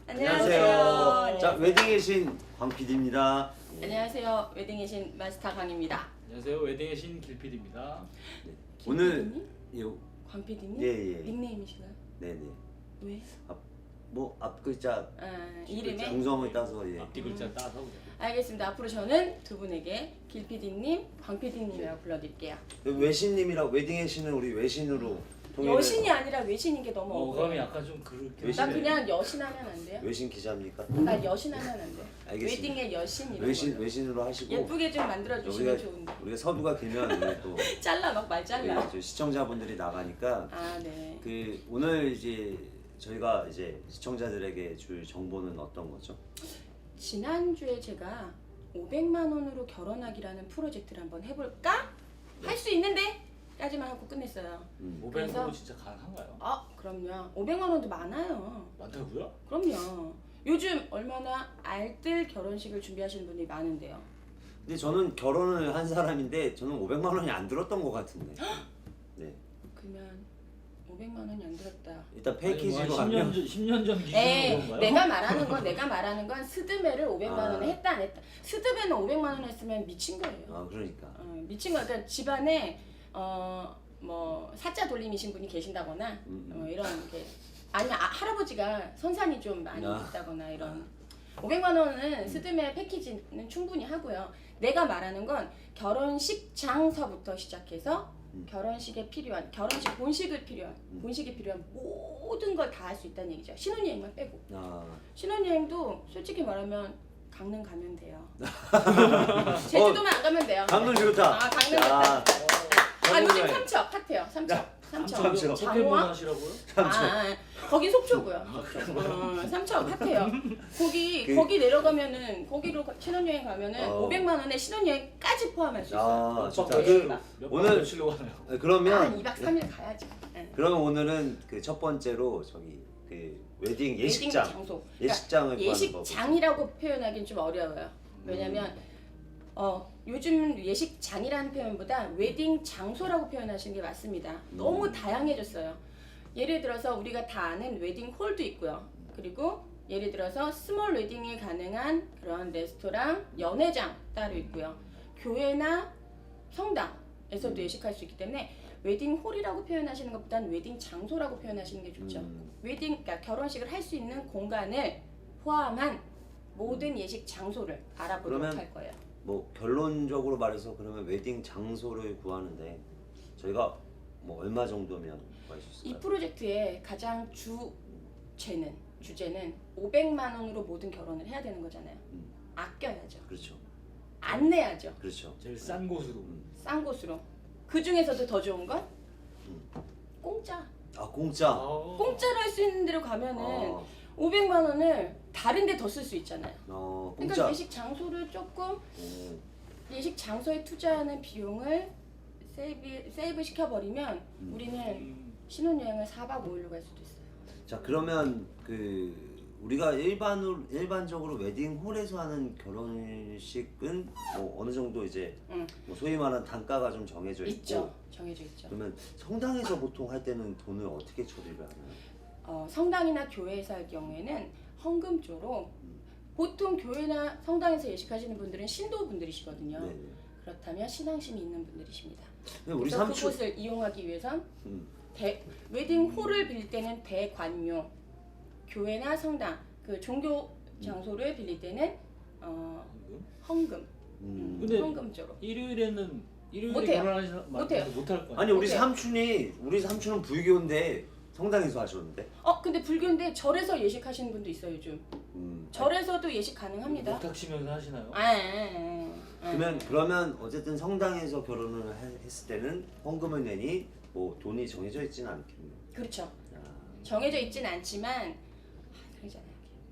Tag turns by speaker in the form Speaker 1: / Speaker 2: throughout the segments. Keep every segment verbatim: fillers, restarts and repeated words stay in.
Speaker 1: 안녕하세요.
Speaker 2: 자, 웨딩의 신 광 피디입니다.
Speaker 1: 안녕하세요. 웨딩의 신 마스터 강입니다.
Speaker 3: 안녕하세요. 웨딩의 신 길피디입니다.
Speaker 2: 네.
Speaker 1: 김
Speaker 2: 오늘
Speaker 1: 피디님?
Speaker 2: 예,
Speaker 1: 광 피디님?
Speaker 2: 예, 예.
Speaker 1: 닉네임이신가요?
Speaker 2: 네네.
Speaker 1: 왜?
Speaker 2: 뭐 앞글자
Speaker 1: 아, 이름에?
Speaker 2: 정성을 따서 예.
Speaker 3: 앞뒤 글자
Speaker 1: 음.
Speaker 3: 따서
Speaker 1: 알겠습니다. 앞으로 저는 두 분에게 길 피디님, 광 피디님이라고 불러드릴게요.
Speaker 2: 외신님이라고 웨딩의 신은 우리 외신으로 통일을.
Speaker 1: 여신이 아니라 외신인 게 너무
Speaker 3: 어감이
Speaker 1: 억울해요.
Speaker 3: 약간 좀 그렇게.
Speaker 2: 외신-
Speaker 1: 나 그냥 여신하면 안 돼요?
Speaker 2: 외신 기자입니까?
Speaker 1: 나 여신하면 안 돼.
Speaker 2: 알겠습니다.
Speaker 1: 웨딩의 여신 이런
Speaker 2: 외신
Speaker 1: 걸로.
Speaker 2: 외신으로 하시고
Speaker 1: 예쁘게 좀 만들어 주시면
Speaker 2: 우리가
Speaker 1: 좋은데.
Speaker 2: 우리가 서두가 길면 우리 또
Speaker 1: 잘라 막 말 잘라.
Speaker 2: 우리 저 시청자분들이 나가니까
Speaker 1: 아 네.
Speaker 2: 그 오늘 이제 저희가 이제 시청자들에게 줄 정보는 어떤 거죠?
Speaker 1: 지난주에 제가 오백만 원으로 결혼하기라는 프로젝트를 한번 해볼까? 할 수 있는데? 까지만 하고 끝냈어요.
Speaker 2: 음.
Speaker 3: 오백만
Speaker 1: 그래서-
Speaker 3: 원 진짜 가능한가요?
Speaker 1: 아 그럼요. 오백만 원도 많아요.
Speaker 3: 많다고요?
Speaker 1: 그럼요. 요즘 얼마나 알뜰 결혼식을 준비하시는 분들이 많은데요.
Speaker 2: 근데 저는 결혼을 한 사람인데 저는 오백만 원이 안 들었던 것 같은데. 네.
Speaker 1: 그러면 오백만 원이 안 들었다.
Speaker 2: 일단
Speaker 3: 아니,
Speaker 2: 패키지로
Speaker 3: 뭐
Speaker 2: 가면
Speaker 3: 한 십 년 전 십 년 전 기준으로
Speaker 1: 에
Speaker 3: 그런가요?
Speaker 1: 내가 말하는 건 내가 말하는 건 스드메를 오백만
Speaker 2: 아.
Speaker 1: 원에 했다 안 했다. 스드메는 오백만 원 했으면 미친 거예요.
Speaker 2: 아 그러니까.
Speaker 1: 어, 미친 거야. 그러니까 집안에 어 뭐 사자 돌림이신 분이 계신다거나
Speaker 2: 음, 음.
Speaker 1: 어, 이런 게 아니면 아, 할아버지가 선산이 좀 많이
Speaker 2: 아.
Speaker 1: 있다거나 이런 오백만 원은 스드메 패키지는 충분히 하고요. 내가 말하는 건 결혼식 장서부터 시작해서
Speaker 2: 음.
Speaker 1: 결혼식에 필요한 결혼식 본식을 필요한
Speaker 2: 음.
Speaker 1: 본식에 필요한 모든 걸 다 할 수 있다는 얘기죠. 신혼여행만 빼고.
Speaker 2: 아.
Speaker 1: 신혼여행도 솔직히 말하면 강릉 가면 돼요. 제주도만 안 가면 돼요.
Speaker 2: 강릉 좋다.
Speaker 1: 아 강릉
Speaker 2: 야.
Speaker 1: 좋다. 아 요즘
Speaker 2: 여행.
Speaker 1: 삼척 핫해요. 삼척. 삼척.
Speaker 2: 삼척.
Speaker 3: 포켓몬
Speaker 1: 장호항?
Speaker 3: 하시라고요?
Speaker 1: 아, 아, 거기 속초고요. 어, 삼척 핫해요. 거기
Speaker 2: 그-
Speaker 1: 거기 내려가면은 거기로 가- 신혼여행 가면은
Speaker 2: 어.
Speaker 1: 오백만 원에 신혼여행까지 포함할 수 있어요.
Speaker 2: 아
Speaker 3: 몇
Speaker 2: 좋다.
Speaker 3: 박
Speaker 2: 그,
Speaker 3: 며칠- 몇
Speaker 2: 오늘-
Speaker 3: 박 며칠로 가나요?
Speaker 2: 네,
Speaker 1: 한
Speaker 2: 그러면
Speaker 1: 이 박 삼 일 가야지. 네.
Speaker 2: 그러면 오늘은 그 첫 번째로 저기 그 웨딩 예식장
Speaker 1: 웨딩 장소. 그러니까
Speaker 2: 예식장을 구하는 법.
Speaker 1: 예식장이라고 표현하긴 좀 어려워요. 왜냐면 어, 요즘 예식장이라는 표현보다 웨딩 장소라고 표현하시는 게 맞습니다. 너무
Speaker 2: 음.
Speaker 1: 다양해졌어요. 예를 들어서 우리가 다 아는 웨딩 홀도 있고요. 그리고 예를 들어서 스몰 웨딩이 가능한 그런 레스토랑, 연회장 따로 있고요. 교회나 성당에서도
Speaker 2: 음.
Speaker 1: 예식할 수 있기 때문에 웨딩 홀이라고 표현하시는 것보다는 웨딩 장소라고 표현하시는 게 좋죠.
Speaker 2: 음.
Speaker 1: 웨딩, 그러니까 결혼식을 할 수 있는 공간을 포함한 모든 예식 장소를 알아보도록
Speaker 2: 그러면
Speaker 1: 할 거예요.
Speaker 2: 뭐 결론적으로 말해서 그러면 웨딩 장소를 구하는데 저희가 뭐 얼마 정도면 구할 수
Speaker 1: 이
Speaker 2: 있을까요?
Speaker 1: 프로젝트의 가장 주제는 주제는 오백만 원으로 모든 결혼을 해야 되는 거잖아요.
Speaker 2: 음.
Speaker 1: 아껴야죠.
Speaker 2: 그렇죠.
Speaker 1: 안 내야죠.
Speaker 2: 그렇죠.
Speaker 3: 제일 싼 곳으로.
Speaker 2: 음.
Speaker 1: 싼 곳으로. 그 중에서도 더 좋은 건
Speaker 2: 음.
Speaker 1: 공짜.
Speaker 2: 아 공짜.
Speaker 3: 아.
Speaker 1: 공짜로 할 수 있는 데로 가면은
Speaker 2: 어,
Speaker 1: 오백만 원을 다른 데 더 쓸 수 있잖아요.
Speaker 2: 어
Speaker 1: 그러니까
Speaker 2: 공짜.
Speaker 1: 예식 장소를 조금
Speaker 2: 음.
Speaker 1: 예식 장소에 투자하는 비용을 세이브, 세이브 시켜버리면
Speaker 2: 음.
Speaker 1: 우리는
Speaker 3: 음.
Speaker 1: 신혼여행을 사 박 오 일로 갈 수도 있어요.
Speaker 2: 자 그러면 그 우리가 일반으로 일반적으로 웨딩 홀에서 하는 결혼식은 뭐 어느 정도 이제
Speaker 1: 응.
Speaker 2: 뭐 소위 말하는 단가가 좀 정해져 있고
Speaker 1: 있죠. 정해져 있죠.
Speaker 2: 그러면 성당에서 보통 할 때는 돈을 어떻게 처리를 하나요?
Speaker 1: 어, 성당이나 교회에서 할 경우에는 헌금조로
Speaker 2: 음.
Speaker 1: 보통 교회나 성당에서 예식하시는 분들은 신도분들이시거든요.
Speaker 2: 네네.
Speaker 1: 그렇다면 신앙심이 있는 분들이십니다.
Speaker 2: 근데 우리
Speaker 1: 그래서
Speaker 2: 삼촌
Speaker 1: 그곳을 이용하기 위해선
Speaker 2: 음.
Speaker 1: 대, 웨딩 홀을 빌릴 때는 대관료, 교회나 성당 그 종교 장소를 빌릴 때는 어, 헌금,
Speaker 2: 음.
Speaker 3: 근데-
Speaker 1: 헌금조로.
Speaker 3: 일요일에는 일요일에
Speaker 1: 못해요.
Speaker 3: 결혼하시는
Speaker 1: 못해요.
Speaker 3: 못할 거예요.
Speaker 2: 아니 우리
Speaker 1: 어때요?
Speaker 2: 삼촌이 우리 삼촌은 불교인데 성당에서 하셨는데.
Speaker 1: 어 근데 불교인데 절에서 예식하시는 분도 있어요 요즘.
Speaker 2: 음.
Speaker 1: 절에서도 예식 가능합니다.
Speaker 3: 못하시면서 하시나요?
Speaker 1: 아, 아, 아, 아.
Speaker 2: 그러면 그러면 어쨌든 성당에서 결혼을 해- 했을 때는 헌금을 내니 뭐 돈이 정해져 있지는 않겠네요.
Speaker 1: 그렇죠.
Speaker 2: 아,
Speaker 1: 정해져 있진 않지만 아, 그러잖아요.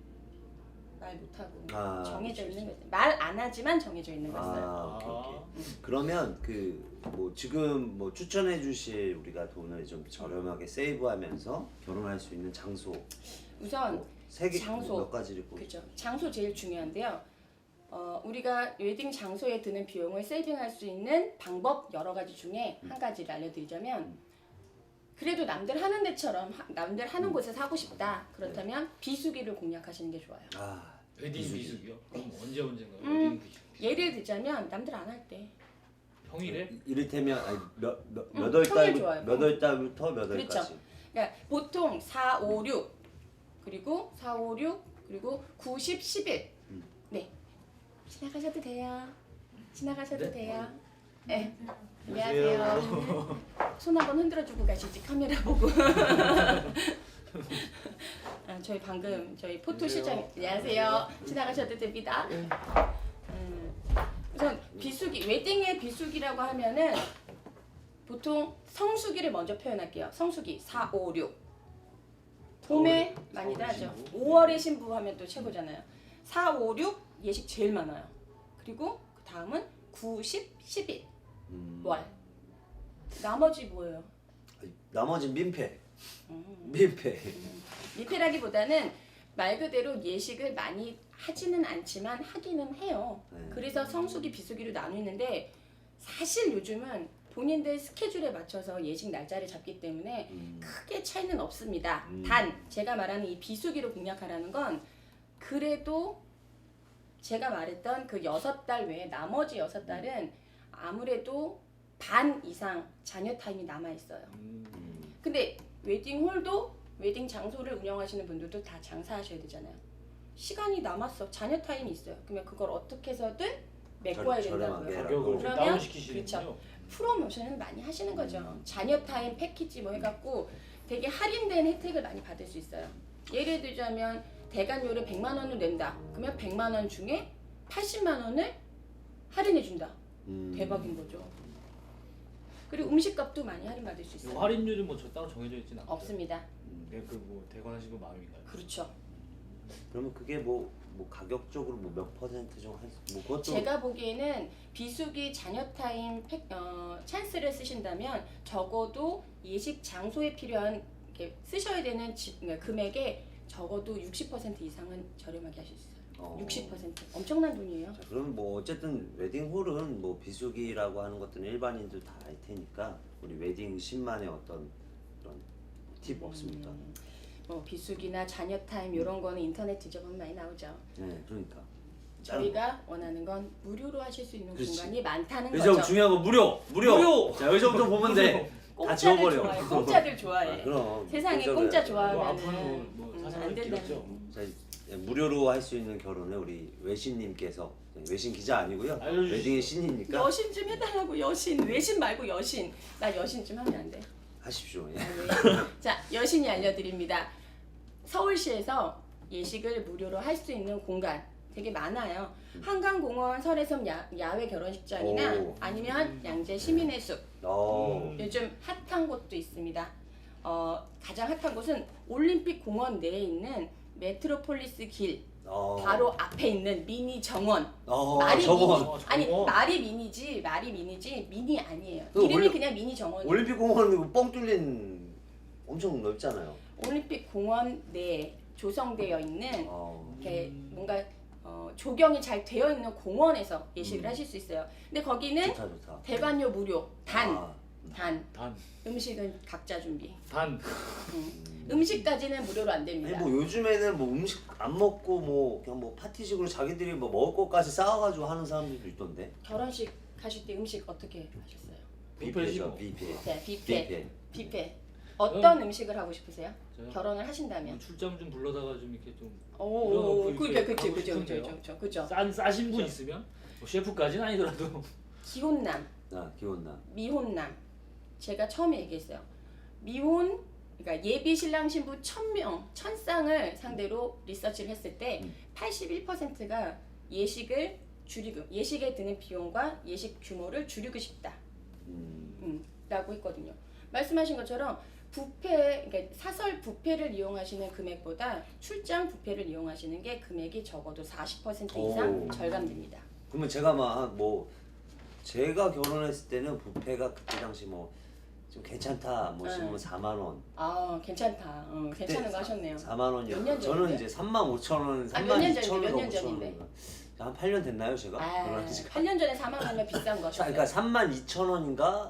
Speaker 1: 말 못하고
Speaker 2: 아,
Speaker 1: 정해져
Speaker 2: 그치,
Speaker 1: 있는 거지. 말 안 하지만 정해져 있는 거어요.
Speaker 2: 아, 오케이 오케이.
Speaker 1: 음.
Speaker 2: 그러면 그 뭐 지금 뭐 추천해 주실 우리가 돈을 좀 저렴하게 세이브하면서 결혼할 수 있는 장소
Speaker 1: 우선
Speaker 2: 세개
Speaker 1: 장소.
Speaker 2: 몇 가지를 꼽.
Speaker 1: 그렇죠. 장소 제일 중요한데요. 어, 우리가 웨딩 장소에 드는 비용을 세이빙할 수 있는 방법 여러 가지 중에 한 가지를 알려드리자면 그래도 남들 하는 데처럼 하- 남들 하는 곳에서 하고 싶다. 그렇다면 비수기를 공략하시는 게 좋아요.
Speaker 2: 아
Speaker 3: 웨딩
Speaker 2: 비수기.
Speaker 3: 비수기요? 그럼 언제 언제인가요?
Speaker 1: 음.
Speaker 3: 웨딩 비수기.
Speaker 1: 예를 들자면 남들 안 할 때.
Speaker 3: 평일에?
Speaker 2: 이- 이를테면 아니, 몇, 몇,
Speaker 1: 음,
Speaker 2: 몇월
Speaker 1: 평일
Speaker 2: 달
Speaker 1: 좋아요.
Speaker 2: 몇월 달부터 몇
Speaker 1: 그렇죠.
Speaker 2: 월까지.
Speaker 1: 그러니까 보통 사, 오, 육 그리고 사, 오, 육 그리고 구, 십, 십일.
Speaker 2: 음.
Speaker 1: 네. 지나가셔도 돼요. 지나가셔도
Speaker 3: 네.
Speaker 1: 돼요. 네.
Speaker 3: 안녕하세요.
Speaker 1: 안녕하세요. 손 한번 흔들어 주고 가시지 카메라 보고. 아, 저희 방금 저희 포토 실장 안녕하세요. 지나가셔도 됩니다. 음, 우선 비수기 웨딩의 비수기라고 하면은 보통 성수기를 먼저 표현할게요. 성수기 사, 오, 육. 봄에
Speaker 3: 사월에-
Speaker 1: 많이들
Speaker 3: 사월에
Speaker 1: 하죠.
Speaker 3: 신부.
Speaker 1: 오월에 신부 하면 또 최고잖아요. 사, 오, 육 예식 제일 많아요. 그리고 그 다음은 구, 십, 십일
Speaker 2: 음.
Speaker 1: 월. 나머지 뭐예요?
Speaker 2: 아니, 나머진 민폐.
Speaker 1: 음.
Speaker 2: 민폐.
Speaker 1: 미패라기보다는 말 그대로 예식을 많이 하지는 않지만 하기는 해요.
Speaker 2: 네.
Speaker 1: 그래서 성수기, 비수기로 나누는데 사실 요즘은 본인들 스케줄에 맞춰서 예식 날짜를 잡기 때문에
Speaker 2: 음.
Speaker 1: 크게 차이는 없습니다.
Speaker 2: 음.
Speaker 1: 단 제가 말하는 이 비수기로 공략하라는 건 그래도 제가 말했던 그 여섯 달 외에 나머지 여섯 달은 아무래도 반 이상 자녀 타임이 남아 있어요.
Speaker 3: 음.
Speaker 2: 음.
Speaker 1: 근데 웨딩홀도 웨딩 장소를 운영하시는 분들도 다 장사하셔야 되잖아요. 시간이 남았어. 자녀 타임이 있어요. 그러면 그걸 어떻게 해서든 메꿔야
Speaker 2: 저- 저렴하게
Speaker 1: 된다고요.
Speaker 2: 해라.
Speaker 3: 가격을 좀
Speaker 1: 그러면-
Speaker 3: 다운 시키시는군요.
Speaker 1: 프로모션을 많이 하시는 거죠. 자녀 타임 패키지 뭐 해갖고 되게 할인된 혜택을 많이 받을 수 있어요. 예를 들자면 대관료를 백만 원을 낸다. 그러면 백만 원 중에 팔십만 원을 할인해 준다.
Speaker 2: 음.
Speaker 1: 대박인 거죠. 그리고 음식값도 많이 할인받을 수
Speaker 3: 이
Speaker 1: 있어요.
Speaker 3: 할인율이 뭐 저 따로 정해져 있지는 않죠.
Speaker 1: 없습니다.
Speaker 3: 네, 그뭐 대관하시고 마음인가요?
Speaker 1: 그렇죠.
Speaker 2: 그러면 그게 뭐, 뭐 가격적으로 뭐 몇 퍼센트 정도 한, 뭐 그것도
Speaker 1: 제가 보기에는 비수기 자녀 타임 팩, 어, 찬스를 쓰신다면 적어도 예식 장소에 필요한 이렇게 쓰셔야 되는 지, 그러니까 금액의 적어도 육십 퍼센트 이상은 저렴하게 하실 수 있어요.
Speaker 2: 어.
Speaker 1: 육십 퍼센트 엄청난 돈이에요.
Speaker 2: 자, 그럼 뭐 어쨌든 웨딩홀은 뭐 비수기라고 하는 것들은 일반인들 다 알 테니까 우리 웨딩 십만의 어떤 그런 팁 없습니까?
Speaker 1: 음, 뭐 비수기나 자녀 타임 이런 거는 인터넷 뒤져보면 많이 나오죠.
Speaker 2: 네, 그러니까.
Speaker 1: 저희가 원하는 건 무료로 하실 수 있는
Speaker 2: 그렇지.
Speaker 1: 공간이 많다는
Speaker 2: 여기서
Speaker 1: 거죠.
Speaker 2: 중요한 건 무료, 무료.
Speaker 3: 무료!
Speaker 2: 자 여기서부터 보면 돼. 다
Speaker 1: 공짜를
Speaker 2: 지워버려.
Speaker 1: 좋아해. 공짜들 좋아해.
Speaker 2: 아, 그럼.
Speaker 1: 세상에
Speaker 2: 공짜로
Speaker 1: 공짜
Speaker 2: 해야죠.
Speaker 3: 뭐
Speaker 1: 좋아하면
Speaker 3: 앞으로 뭐
Speaker 1: 음,
Speaker 3: 사상을
Speaker 1: 안 된다는.
Speaker 3: 길었죠.
Speaker 2: 자, 예, 무료로 할 수 있는 결혼을 우리 외신님께서 외신 기자 아니고요.
Speaker 3: 알려주시죠.
Speaker 2: 웨딩의 신이니까
Speaker 1: 여신 좀 해달라고 여신 외신 말고 여신 나 여신 좀 하면 안 돼?
Speaker 2: 하십시오. 예.
Speaker 1: 아, 왜? 자 여신이 알려드립니다. 서울시에서 예식을 무료로 할 수 있는 공간 되게 많아요. 한강공원 설해섬 야, 야외 결혼식장이나
Speaker 2: 오.
Speaker 1: 아니면 양재 시민의 숲
Speaker 2: 어.
Speaker 1: 요즘 핫한 곳도 있습니다. 어, 가장 핫한 곳은 올림픽 공원 내에 있는 메트로폴리스 길
Speaker 2: 어.
Speaker 1: 바로 앞에 있는 미니 정원.
Speaker 2: 어,
Speaker 1: 말이
Speaker 2: 정원.
Speaker 1: 미니
Speaker 3: 어,
Speaker 1: 아니
Speaker 3: 정원.
Speaker 1: 말이 미니지 말이 미니지 미니 아니에요.
Speaker 2: 그
Speaker 1: 이름이
Speaker 2: 올림-
Speaker 1: 그냥 미니 정원이에요.
Speaker 2: 올림픽 공원은 뻥 뚫린 엄청 넓잖아요.
Speaker 1: 올림픽 공원 내에 조성되어 있는
Speaker 2: 어.
Speaker 1: 이렇게 뭔가 어, 조경이 잘 되어 있는 공원에서 예식을
Speaker 2: 음.
Speaker 1: 하실 수 있어요. 근데 거기는
Speaker 2: 좋다 좋다.
Speaker 1: 대관료 무료. 단,
Speaker 2: 아,
Speaker 1: 단
Speaker 3: 단,
Speaker 1: 음식은 각자 준비.
Speaker 3: 단.
Speaker 1: 음.
Speaker 2: 음.
Speaker 1: 음식까지는 무료로 안
Speaker 2: 아니
Speaker 1: 됩니다.
Speaker 2: 뭐 요즘에는 뭐 음식 안 먹고 뭐 그냥 뭐 파티식으로 자기들이 뭐 먹을 것까지 싸워가지고 하는 사람들도 있던데.
Speaker 1: 결혼식 하실 때 음식 어떻게 하셨어요?
Speaker 3: 뷔페죠.
Speaker 2: 뷔페.
Speaker 1: 네, 뷔페.
Speaker 2: 뷔페.
Speaker 1: 뷔페. 어떤 음식을 하고 싶으세요?
Speaker 3: 저요?
Speaker 1: 결혼을 하신다면.
Speaker 3: 뭐 출장 좀 불러다가 좀 이렇게 좀
Speaker 1: 오,
Speaker 3: 그럼
Speaker 1: 그게
Speaker 3: 그렇게
Speaker 1: 그치
Speaker 3: 가고
Speaker 1: 그죠 그죠
Speaker 3: 싶은데요.
Speaker 1: 그죠 그죠.
Speaker 3: 싼 싸신 분 있으면 뭐 셰프까지는 아니더라도
Speaker 1: 기혼남,
Speaker 2: 아 기온나.
Speaker 1: 미혼남. 제가 처음에 얘기했어요. 미혼 그러니까 예비 신랑 신부 천 명, 천 쌍을 상대로 리서치를 했을 때
Speaker 2: 음.
Speaker 1: 팔십일 퍼센트가 예식을 줄이고 예식에 드는 비용과 예식 규모를 줄이고 싶다.
Speaker 2: 음.
Speaker 1: 음, 라고 했거든요. 말씀하신 것처럼 뷔페, 그러니까 사설 뷔페를 이용하시는 금액보다 출장 뷔페를 이용하시는 게 금액이 적어도 사십 퍼센트 이상
Speaker 2: 오.
Speaker 1: 절감됩니다.
Speaker 2: 그러면 제가 막 뭐 제가 결혼했을 때는 뷔페가 그때 당시 뭐 좀 괜찮다 뭐
Speaker 1: 네.
Speaker 2: 싶으면 사만 원.
Speaker 1: 아 괜찮다. 어, 괜찮은 거 하셨네요.
Speaker 2: 사만
Speaker 1: 몇 년
Speaker 2: 원이었고 저는
Speaker 1: 전인데?
Speaker 2: 이제 삼만 오천 원,
Speaker 1: 아,
Speaker 2: 삼만
Speaker 1: 몇 년
Speaker 2: 이천
Speaker 1: 전인데,
Speaker 2: 원,
Speaker 1: 몇년
Speaker 2: 오천
Speaker 1: 전인데?
Speaker 2: 원. 한 팔 년 됐나요 제가?
Speaker 1: 아,
Speaker 2: 결혼한 지가?
Speaker 1: 팔 년 전에 사만 원이면 비싼 거
Speaker 2: 자,
Speaker 1: 하셨어요.
Speaker 2: 그러니까 삼만 이천 원인가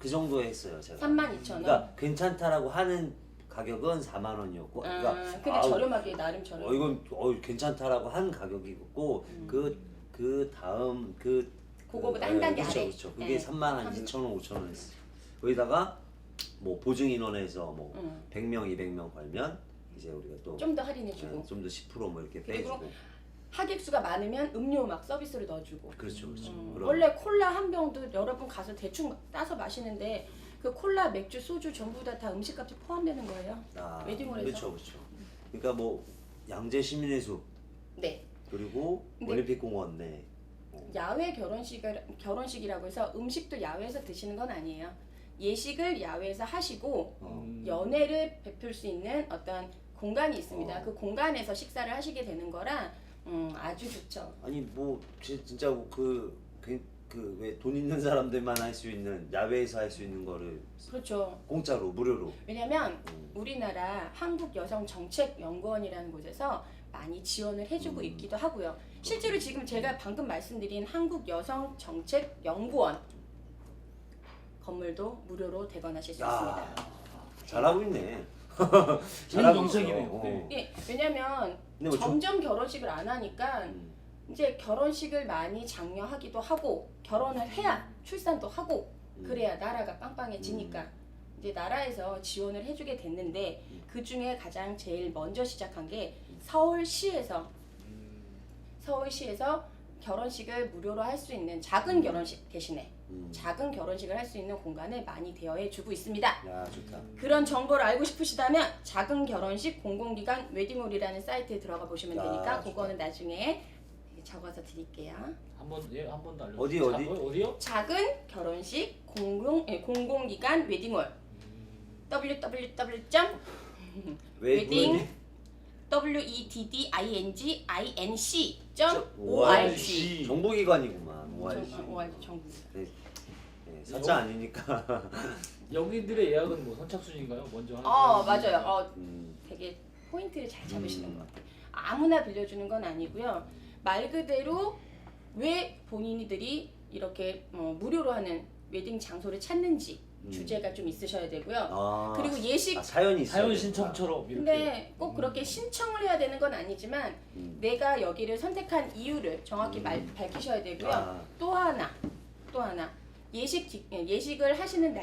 Speaker 2: 그 정도에 했어요 제가.
Speaker 1: 삼만 이천 원.
Speaker 2: 그러니까 괜찮다라고 하는 가격은 사만 원이었고,
Speaker 1: 아,
Speaker 2: 그러니까
Speaker 1: 근데
Speaker 2: 아우,
Speaker 1: 저렴하게 나름 저렴.
Speaker 2: 어 이건 어 괜찮다라고 한 가격이었고
Speaker 1: 음.
Speaker 2: 그 그 다음 그
Speaker 1: 그거보다
Speaker 2: 그,
Speaker 1: 한 단계
Speaker 2: 그렇죠,
Speaker 1: 아래.
Speaker 2: 그렇죠. 그게
Speaker 1: 네.
Speaker 2: 삼만 한 이천 원, 오천 원 했어. 거기다가 뭐 보증 인원에서 뭐
Speaker 1: 음.
Speaker 2: 백 명, 이백 명 걸면 이제 우리가 또
Speaker 1: 좀 더 할인해주고
Speaker 2: 좀 더 십 퍼센트 뭐 이렇게
Speaker 1: 그리고
Speaker 2: 빼주고.
Speaker 1: 하객 수가 많으면 음료 막 서비스로 넣어주고.
Speaker 2: 그렇죠, 그렇죠.
Speaker 1: 음,
Speaker 2: 그럼-
Speaker 1: 원래 콜라 한 병도 여러분 가서 대충 따서 마시는데 그 콜라, 맥주, 소주 전부 다 다 음식값이 포함되는 거예요.
Speaker 2: 아,
Speaker 1: 웨딩홀에서.
Speaker 2: 그렇죠, 그렇죠. 그러니까 뭐 양재 시민의 숲
Speaker 1: 네.
Speaker 2: 그리고
Speaker 1: 근데-
Speaker 2: 올림픽공원 내
Speaker 1: 야외 결혼식 결혼식이라고 해서 음식도 야외에서 드시는 건 아니에요. 예식을 야외에서 하시고
Speaker 2: 어.
Speaker 3: 음.
Speaker 1: 연애를 베풀 수 있는 어떤 공간이 있습니다.
Speaker 2: 어.
Speaker 1: 그 공간에서 식사를 하시게 되는 거라 음, 아주 좋죠.
Speaker 2: 아니 뭐 지- 진짜 그 그 왜 돈 있는 사람들만 할 수 있는 야외에서 할 수 있는 거를
Speaker 1: 그렇죠.
Speaker 2: 공짜로 무료로.
Speaker 1: 왜냐면
Speaker 2: 음.
Speaker 1: 우리나라 한국여성정책연구원이라는 곳에서 많이 지원을 해주고
Speaker 2: 음.
Speaker 1: 있기도 하고요. 실제로 지금 제가 방금 말씀드린 한국여성정책연구원 건물도 무료로 대관하실 수 있습니다.
Speaker 2: 야 잘하고 있네.
Speaker 3: 좋은
Speaker 2: 있어.
Speaker 3: 정책이네요.
Speaker 2: 어.
Speaker 3: 네.
Speaker 1: 예, 왜냐면
Speaker 2: 근데 뭐 좀-
Speaker 1: 점점 결혼식을 안 하니까
Speaker 2: 음.
Speaker 1: 이제 결혼식을 많이 장려하기도 하고 결혼을 해야 출산도 하고
Speaker 2: 음.
Speaker 1: 그래야 나라가 빵빵해지니까 이제 나라에서 지원을 해주게 됐는데
Speaker 2: 음.
Speaker 1: 그 중에 가장 제일 먼저 시작한 게 서울시에서
Speaker 3: 음.
Speaker 1: 서울시에서 결혼식을 무료로 할 수 있는 작은 결혼식 대신에
Speaker 2: 음.
Speaker 1: 작은 결혼식을 할 수 있는 공간을 많이 대여해 주고 있습니다.
Speaker 2: 야 좋다.
Speaker 1: 그런 정보를 알고 싶으시다면 작은 결혼식 공공기관 웨딩홀이라는 사이트에 들어가 보시면
Speaker 2: 야,
Speaker 1: 되니까
Speaker 2: 좋다.
Speaker 1: 그거는 나중에 적어서 드릴게요.
Speaker 3: 한번 예, 한 번 더 알려.
Speaker 2: 어디,
Speaker 3: 자,
Speaker 2: 어디?
Speaker 3: 어, 어디요?
Speaker 1: 작은 결혼식 공공 예, 공공기관 웨딩홀
Speaker 3: 음.
Speaker 1: 더블유 더블유 더블유 점 웨딩 w e d d i n g i n c 점 o r g
Speaker 2: 정보기관이구만. 오알지.
Speaker 1: 오 알 지 정부.
Speaker 2: 네, 네, 사자 아니니까.
Speaker 3: 여기들의 예약은 뭐 선착순인가요? 먼저 하는
Speaker 1: 어
Speaker 3: 사람이
Speaker 1: 맞아요.
Speaker 3: 있나요?
Speaker 1: 어
Speaker 2: 음.
Speaker 1: 되게 포인트를 잘 잡으시는
Speaker 2: 음.
Speaker 1: 것 같아요. 아무나 빌려주는 건 아니고요. 말 그대로 왜 본인이들이 이렇게 어, 무료로 하는 웨딩 장소를 찾는지
Speaker 2: 음.
Speaker 1: 주제가 좀 있으셔야 되고요.
Speaker 2: 아,
Speaker 1: 그리고 예식
Speaker 2: 아, 사연이 있어요.
Speaker 3: 사연 신청처럼 이렇게.
Speaker 1: 근데 꼭 그렇게 신청을 해야 되는 건 아니지만
Speaker 2: 음.
Speaker 1: 내가 여기를 선택한 이유를 정확히
Speaker 2: 음.
Speaker 1: 말, 밝히셔야 되고요.
Speaker 2: 아.
Speaker 1: 또 하나, 또 하나 예식 기- 예, 예식을 하시는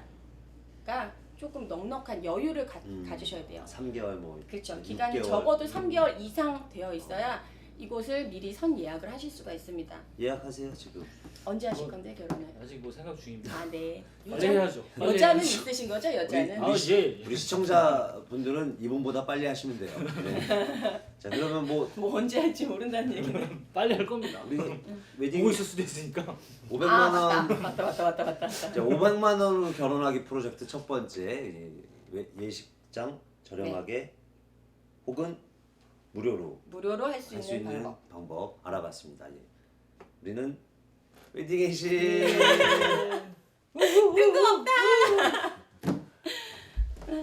Speaker 1: 날짜가 조금 넉넉한 여유를 가,
Speaker 2: 음.
Speaker 1: 가지셔야 돼요.
Speaker 2: 삼 개월 뭐.
Speaker 1: 그렇죠.
Speaker 2: 육
Speaker 1: 기간이
Speaker 2: 개월.
Speaker 1: 적어도 삼 개월 이상 되어 있어야 이곳을 미리 선 예약을 하실 수가 있습니다.
Speaker 2: 예약하세요 지금.
Speaker 1: 언제 하실
Speaker 3: 뭐,
Speaker 1: 건데 결혼을?
Speaker 3: 아직 뭐 생각 중입니다.
Speaker 1: 아 네.
Speaker 3: 빨리 해야죠. 빨리
Speaker 1: 여자는
Speaker 3: 해야죠.
Speaker 1: 있으신 거죠? 여자는?
Speaker 3: 아
Speaker 2: 우리
Speaker 3: 예.
Speaker 2: 우리 시청자분들은 이분보다 빨리 하시면 돼요. 네. 자 그러면 뭐
Speaker 1: 뭐 언제 할지 모른다는 얘기네.
Speaker 3: 빨리 할 겁니다.
Speaker 2: 우리 웨딩
Speaker 3: 보고 있을 수도 있으니까.
Speaker 2: 오백만
Speaker 1: 아
Speaker 2: 원,
Speaker 1: 맞다 맞다 맞다 맞다 맞다.
Speaker 2: 자, 오백만 원으로 결혼하기 프로젝트 첫 번째 이 웨- 예식장 저렴하게 혹은 무료로
Speaker 1: 무료로 할 수
Speaker 2: 할 수
Speaker 1: 있는
Speaker 2: 있는
Speaker 1: 방법.
Speaker 2: 방법 알아봤습니다. 예. 우리는 웨딩 예식
Speaker 1: 뜬금없다.